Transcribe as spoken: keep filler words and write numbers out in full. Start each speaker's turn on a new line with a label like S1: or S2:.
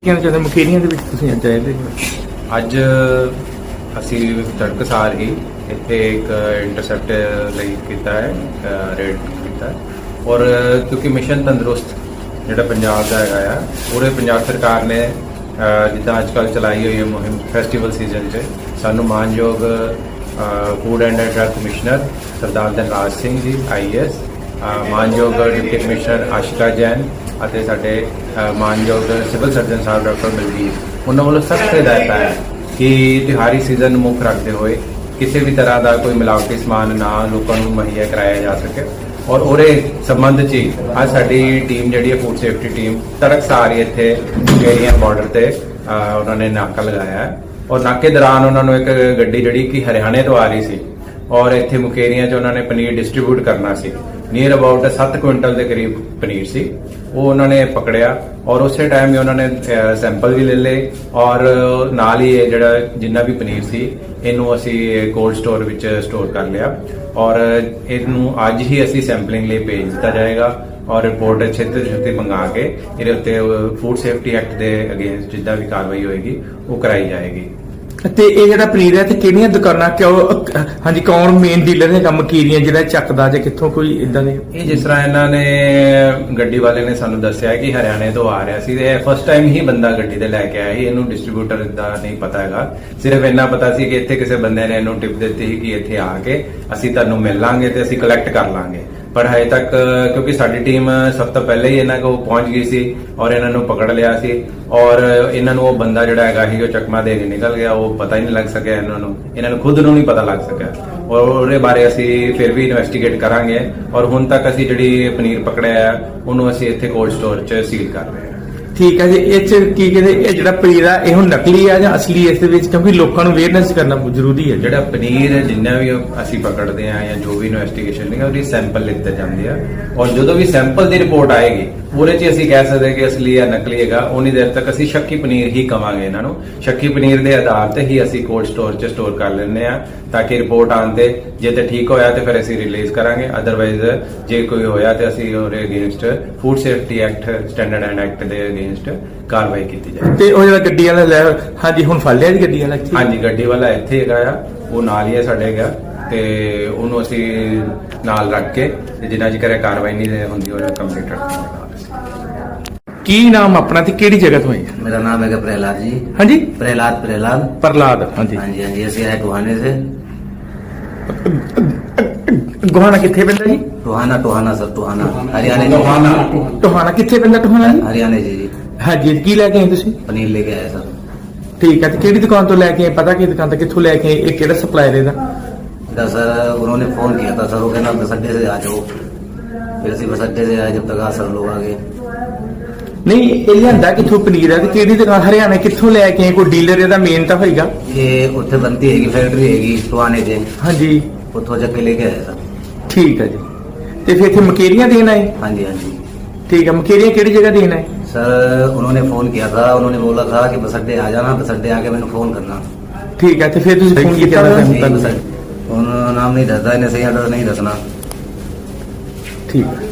S1: ਕਹਿਣਾ ਚਾਹੁੰਦੇ ਮਕੇਰੀਆਂ ਦੇ ਵਿੱਚ ਤੁਸੀਂ ਅੱਜ ਆਏ ਤੇ
S2: ਅੱਜ ਅਸੀਂ ਤੜਕਸਾਰ ਹੀ ਇੱਥੇ ਇੱਕ ਇੰਟਰਸੈਪਟ ਲਈ ਕੀਤਾ ਹੈ, ਰੇਡ ਕੀਤਾ ਹੈ। ਔਰ ਕਿਉਂਕਿ ਮਿਸ਼ਨ ਤੰਦਰੁਸਤ ਜਿਹੜਾ ਪੰਜਾਬ ਦਾ ਹੈਗਾ ਆ, ਪੂਰੇ ਪੰਜਾਬ ਸਰਕਾਰ ਨੇ ਜਿੱਦਾਂ ਅੱਜ ਕੱਲ੍ਹ ਚਲਾਈ ਹੋਈ ਹੈ ਮੁਹਿੰਮ ਫੈਸਟੀਵਲ ਸੀਜ਼ਨ 'ਚ ਸਾਨੂੰ ਮਾਨਯੋਗ food and drug commissioner Sardar Dhanraj Singh ji I A S, ਮਾਨਯੋਗ ਡਿਪਟੀ ਕਮਿਸ਼ਨਰ ਆਸ਼ਿਕਾ ਜੈਨ ਅਤੇ ਸਾਡੇ ਮਾਨਯੋਗ civil surgeon sahib doctor Baljit, ਉਹਨਾਂ ਵੱਲੋਂ ਸਖਤ ਹਦਾਇਤਾਂ ਹੈ ਕਿ ਤਿਉਹਾਰੀ ਸੀਜ਼ਨ ਨੂੰ ਮੁੱਖ ਰੱਖਦੇ ਹੋਏ ਕਿਸੇ ਵੀ ਤਰ੍ਹਾਂ ਦਾ ਕੋਈ ਮਿਲਾਵਟੀ ਸਮਾਨ ਨਾ ਲੋਕਾਂ ਨੂੰ ਮੁਹੱਈਆ ਕਰਾਇਆ ਜਾ ਸਕੇ। ਔਰ ਉਹਦੇ ਸੰਬੰਧ 'ਚ ਹੀ ਅੱਜ ਸਾਡੀ ਟੀਮ ਜਿਹੜੀ ਹੈ ਫੂਡ ਸੇਫਟੀ ਟੀਮ ਤੜਕਸਾਰ ਹੀ ਇੱਥੇ ਏਰੀਆ ਬਾਰਡਰ ਤੇ ਉਹਨਾਂ ਨੇ ਨਾਕਾ ਲਗਾਇਆ ਹੈ। ਔਰ ਨਾਕੇ ਦੌਰਾਨ ਉਹਨਾਂ ਨੂੰ ਇੱਕ ਗੱਡੀ ਜਿਹੜੀ ਕਿ ਹਰਿਆਣੇ ਤੋਂ ਆ ਰਹੀ ਸੀ ਔਰ ਇੱਥੇ ਮੁਕੇਰੀਆਂ 'ਚ ਉਹਨਾਂ ਨੇ ਪਨੀਰ ਡਿਸਟ੍ਰੀਬਿਊਟ ਕਰਨਾ ਸੀ, ਨੀਅਰ ਅਬਾਊਟ ਸੱਤ ਕੁਇੰਟਲ ਦੇ ਕਰੀਬ ਪਨੀਰ ਸੀ, ਉਹ ਉਹਨਾਂ ਨੇ ਪਕੜਿਆ ਔਰ ਉਸੇ ਟਾਈਮ ਹੀ ਉਹਨਾਂ ਨੇ ਸੈਂਪਲ ਵੀ ਲੈ ਲਏ ਔਰ ਨਾਲ ਹੀ ਇਹ ਜਿਹੜਾ ਜਿੰਨਾ ਵੀ ਪਨੀਰ ਸੀ ਇਹਨੂੰ ਅਸੀਂ ਕੋਲਡ ਸਟੋਰ ਵਿੱਚ ਸਟੋਰ ਕਰ ਲਿਆ ਔਰ ਇਹਨੂੰ ਅੱਜ ਹੀ ਅਸੀਂ ਸੈਂਪਲਿੰਗ ਲਈ ਭੇਜ ਦਿੱਤਾ ਜਾਏਗਾ ਔਰ ਰਿਪੋਰਟ ਛੇਤੀ ਛੇਤੀ ਮੰਗਾ ਕੇ ਇਹਦੇ ਉੱਤੇ ਫੂਡ ਸੇਫਟੀ ਐਕਟ ਦੇ ਅਗੇਂਸਟ ਜਿੱਦਾਂ ਵੀ ਕਾਰਵਾਈ ਹੋਏਗੀ ਉਹ ਕਰਾਈ ਜਾਏਗੀ।
S1: ਤੇ ਇਹ ਜਿਹੜਾ ਪਨੀਰ ਹੈ ਤੇ ਕਿਹੜੀਆਂ ਦੁਕਾਨਾਂ ਕਿਉਂ ਹਾਂਜੀ ਕੌਣ ਮੇਨ ਡੀਲਰ ਹੈਗਾ ਮਕੀਰੀਆਂ ਜਿਹੜਾ ਚੱਕਦਾ ਜਾਂ ਕਿੱਥੋਂ ਕੋਈ ਇਦਾਂ ਦੇ?
S2: ਇਹ ਜਿਸ ਤਰ੍ਹਾਂ ਇਹਨਾਂ ਨੇ ਗੱਡੀ ਵਾਲੇ ਨੇ ਸਾਨੂੰ ਦੱਸਿਆ ਕਿ ਹਰਿਆਣੇ ਤੋਂ ਆ ਰਿਹਾ ਸੀ ਤੇ ਫਸਟ ਟਾਈਮ ਹੀ ਬੰਦਾ ਗੱਡੀ ਤੇ ਲੈ ਕੇ ਆਇਆ ਸੀ, ਇਹਨੂੰ ਡਿਸਟ੍ਰੀਬਿਊਟਰ ਦਾ ਨਹੀਂ ਪਤਾ ਹੈਗਾ, ਸਿਰਫ ਇੰਨਾ ਪਤਾ ਸੀ ਕਿ ਇੱਥੇ ਕਿਸੇ ਬੰਦੇ ਨੇ ਇਹਨੂੰ ਟਿਪ ਦਿੱਤੀ ਸੀ ਕਿ ਇੱਥੇ ਆ ਕੇ ਅਸੀਂ ਤੁਹਾਨੂੰ ਮਿਲ ਲਾਂਗੇ ਤੇ ਅਸੀਂ ਕਲੈਕਟ ਕਰ ਲਾਂਗੇ। ਪਰ ਹਜੇ ਤੱਕ ਕਿਉਂਕਿ ਸਾਡੀ ਟੀਮ ਸਭ ਤੋਂ ਪਹਿਲੇ ਹੀ ਇਹਨਾਂ ਕੋਲ ਪਹੁੰਚ ਗਈ ਸੀ ਔਰ ਇਹਨਾਂ ਨੂੰ ਪਕੜ ਲਿਆ ਸੀ ਔਰ ਇਹਨਾਂ ਨੂੰ ਉਹ ਬੰਦਾ ਜਿਹੜਾ ਹੈਗਾ ਸੀ ਉਹ ਚਕਮਾ ਦੇ ਕੇ ਨਿਕਲ ਗਿਆ, ਉਹ ਪਤਾ ਹੀ ਨਹੀਂ ਲੱਗ ਸਕਿਆ ਇਹਨਾਂ ਨੂੰ, ਇਹਨਾਂ ਨੂੰ ਖੁਦ ਨੂੰ ਨਹੀਂ ਪਤਾ ਲੱਗ ਸਕਿਆ ਔਰ ਉਹਦੇ ਬਾਰੇ ਅਸੀਂ ਫਿਰ ਵੀ ਇਨਵੈਸਟੀਗੇਟ ਕਰਾਂਗੇ ਔਰ ਹੁਣ ਤੱਕ ਅਸੀਂ ਜਿਹੜੀ ਪਨੀਰ ਪਕੜਿਆ ਹੈ ਉਹਨੂੰ ਅਸੀਂ ਇੱਥੇ ਕੋਲਡ ਸਟੋਰ 'ਚ ਸੀਲ ਕਰ ਰਹੇ ਹਾਂ।
S1: ਠੀਕ ਹੈ ਜੀ, ਇਹ ਚ ਕੀ ਕਹਿੰਦੇ ਇਹ ਜਿਹੜਾ ਪਨੀਰ ਆ ਇਹ ਹੁਣ ਨਕਲੀ ਆ ਜਾਂ ਅਸਲੀ ਇਸ ਦੇ ਵਿੱਚ, ਕਿਉਂਕਿ ਲੋਕਾਂ ਨੂੰ ਅਵੇਅਰਨੈਸ ਕਰਨਾ ਬਹੁਤ ਜ਼ਰੂਰੀ ਹੈ।
S2: ਜਿਹੜਾ ਪਨੀਰ ਜਿੰਨਾ ਵੀ ਅਸੀਂ ਪਕੜਦੇ ਆ ਜਾਂ ਜੋ ਵੀ ਇਨਵੈਸਟੀਗੇਸ਼ਨ ਹੈ ਉਹਦੀ ਸੈਂਪਲ ਲਿੱਤੇ ਜਾਂਦੇ ਆ ਔਰ ਜਦੋਂ ਵੀ ਸੈਂਪਲ ਦੀ ਰਿਪੋਰਟ ਆਏਗੀ ਉਹਦੇ 'ਚ ਅਸੀਂ ਕਹਿ ਸਕਦੇ ਕਿ ਅਸਲੀ ਜਾਂ ਨਕਲੀ ਹੈਗਾ, ਉਨੀ ਦੇਰ ਤੱਕ ਅਸੀਂ ਸ਼ੱਕੀ ਪਨੀਰ ਹੀ ਕਵਾਂਗੇ ਇਹਨਾਂ ਨੂੰ। ਸ਼ੱਕੀ ਪਨੀਰ ਦੇ ਆਧਾਰ ਤੇ ਹੀ ਅਸੀਂ ਕੋਲਡ ਸਟੋਰ 'ਚ ਸਟੋਰ ਕਰ ਲੈਂਦੇ ਆ ਤਾਂ ਕਿ ਰਿਪੋਰਟ ਆਉਣ ਤੇ ਜੇ ਤੇ ਠੀਕ ਹੋਇਆ ਤੇ ਫਿਰ ਅਸੀਂ ਰਿਲੀਜ਼ ਕਰਾਂਗੇ, ਅਦਰਵਾਈਜ਼ ਜੇ ਕੋਈ ਹੋਇਆ ਤੇ ਅਸੀਂ ਉਹਦੇ against food safety act standard and act ਦੇ ਅਗੇਂਸਟ ਕਾਰਵਾਈ ਕੀਤੀ ਜਾਏ।
S1: ਤੇ ਉਹ ਜਿਹੜਾ ਗੱਡੀ ਵਾਲਾ ਲੈ ਹਾਂਜੀ ਹੁਣ ਫੜ ਲਿਆ ਜੀ ਗੱਡੀ ਵਾਲਾ?
S2: ਹਾਂਜੀ, ਗੱਡੀ ਵਾਲਾ ਇੱਥੇ ਹੈਗਾ ਆ, ਉਹ ਨਾਲ ਹੀ ਹੈ ਸਾਡੇ ਹੈਗਾ ਤੇ ਉਹਨੂੰ ਅਸੀਂ ਨਾਲ ਰੱਖ ਕੇ ਜਿੰਨਾ ਚਿਰ ਕਾਰਵਾਈ ਨਹੀਂ ਹੁੰਦੀ ਉਹ ਕੰਪਲੀਟ ਰੱਖਾਂਗੇ।
S1: ਕੀ ਨਾਮ ਆਪਣਾ ਤੇ ਕਿਹੜੀ ਜਗ੍ਹਾ ਤੋਂ ਆਏ?
S3: मेरा नाम है प्रहलाद जी।
S1: हाँ जी,
S3: प्रहलाद प्रहलाद
S1: प्रहलाद। हाँ जी
S3: हाँ जी हाँ जी ਅਸੀਂ ਆਏ ਟੋਹਾਨੇ से।
S1: ਗੋਹਾਣਾ ਕਿੱਥੇ ਪੈਂਦਾ ਜੀ?
S3: टोहाना टोहाना सर टोहाना हरियाणा
S1: ਟੋਹਾਣਾ ਟੋਹਾਣਾ ਕਿੱਥੇ ਪੈਂਦਾ ਟੋਹਾਣਾ ਜੀ?
S3: हरियाणा जी जी
S1: ਹਾਂਜੀ, ਕੀ ਲੈ ਕੇ ਆਏ ਤੁਸੀਂ?
S3: पनीर लेके आए सर।
S1: ਠੀਕ ਹੈ, ਤੇ ਕਿਹੜੀ ਦੁਕਾਨ ਤੋਂ ਲੈ ਕੇ ਆਏ? ਪਤਾ ਕਿ ਦੁਕਾਨ ਤੋਂ ਕਿੱਥੋਂ ਲੈ ਕੇ ਆਏ? ਇਹ ਕਿਹੜਾ ਸਪਲਾਇਰ ਇਹਦਾ?
S3: तो सर उन्होंने फोन किया था सर, वो कहना बस अड्डे से आ जाओ, फिर ਅਸੀਂ बस अड्डे से आए, जब तक आ सर लोग आ गए।
S1: ਨਹੀਂ, ਇਹ ਲਿਆਂਦਾ ਕਿੱਥੋਂ ਪਨੀਰ ਹੈ ਤੇ ਕਿਹੜੀ ਦੁਕਾਨ ਹਰਿਆਣਾ ਕਿੱਥੋਂ ਲੈ ਕੇ ਆਏ? ਕੋਈ ਡੀਲਰ ਇਹਦਾ ਮੇਨ ਤਾਂ ਹੋਏਗਾ।
S3: ਇਹ ਉੱਥੇ ਬੰਦੀ ਹੈਗੀ ਫੈਕਟਰੀ ਹੈਗੀ ਟੋਹਾਨੇ ਤੇ,
S1: ਹਾਂਜੀ,
S3: ਉੱਥੋਂ ਚੱਕ ਕੇ ਲੈ ਕੇ ਆਏ ਸਰ।
S1: ਠੀਕ ਹੈ ਜੀ। ਤੇ ਫਿਰ ਇੱਥੇ ਮਕੇਰੀਆਂ ਦੇਣ ਆਏ?
S3: हाँ जी हाँ जी
S1: ਠੀਕ ਹੈ, ਮਕੇਰੀਆਂ ਕਿਹੜੀ ਜਗ੍ਹਾ ਦੇਣ ਆਏ?
S3: सर उन्होंने फोन किया था, उन्होंने बोला था कि बस अड्डे आ जाना, बस अड्डे आके मैंने फोन करना।
S1: ਠੀਕ ਹੈ, ਤੇ ਫਿਰ ਤੁਸੀਂ ਫੋਨ ਕੀਤਾ
S3: नहीं, बस उन्होंने नाम नहीं दसता, इन्हें सही एड्रेस नहीं दसना।
S1: ਠੀਕ ਹੈ।